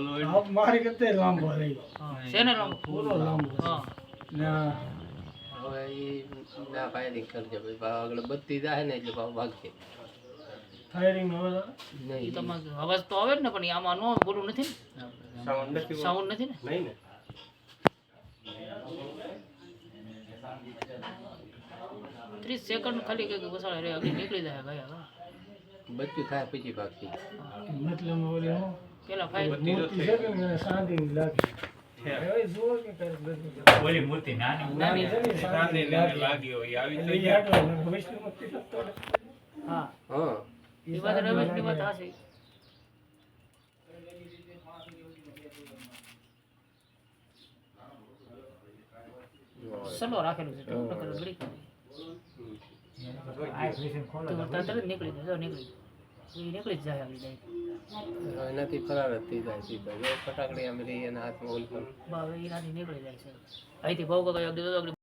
મારી કરતા લાંબો રહી શેને લાંબો પૂરો લાંબો હા ના હવે એ ના ફાયરિંગ કરજે ભાઈ આગળ બત્તી જાય ને એટલે ભાગશે ફાયરિંગ હવે એ નહીં તમારે અવાજ તો આવે જ ને પણ આમાં નો બોલું નથી ને સાઉન્ડ નથી ને નહીં ને 30 સેકન્ડ ખાલી કઈ વસાડે રે આગળ નીકળી જાય ભાઈ હવે બચ્ચું થાય પછી ભાગશે મતલબ ઓલી હું પેલા ફાઈલ મૂર્તિ છે કે મને શાંતિ લાગે હવે જુઓ કે કરે બધું ઓલી મૂર્તિ નાની છે ને શાંતિ લાગી હોય આવી એટલે ઈ આટલો વિષ્ણુ મૂર્તિ તો હા હા એ વાત રમેશની વાત હાચી સલો રાખેલું છે તો ગળી તો તરત નીકળી જાય નીકળી નીકળી જ જાય આવી જાય એનાથી ફરાર જ થઈ જાય સીધા જો ફટાકડી આમ રહી એના હાથમાં ઓલ બાવે એનાથી નીકળી જાય છે અહીંથી ભાવ કાકા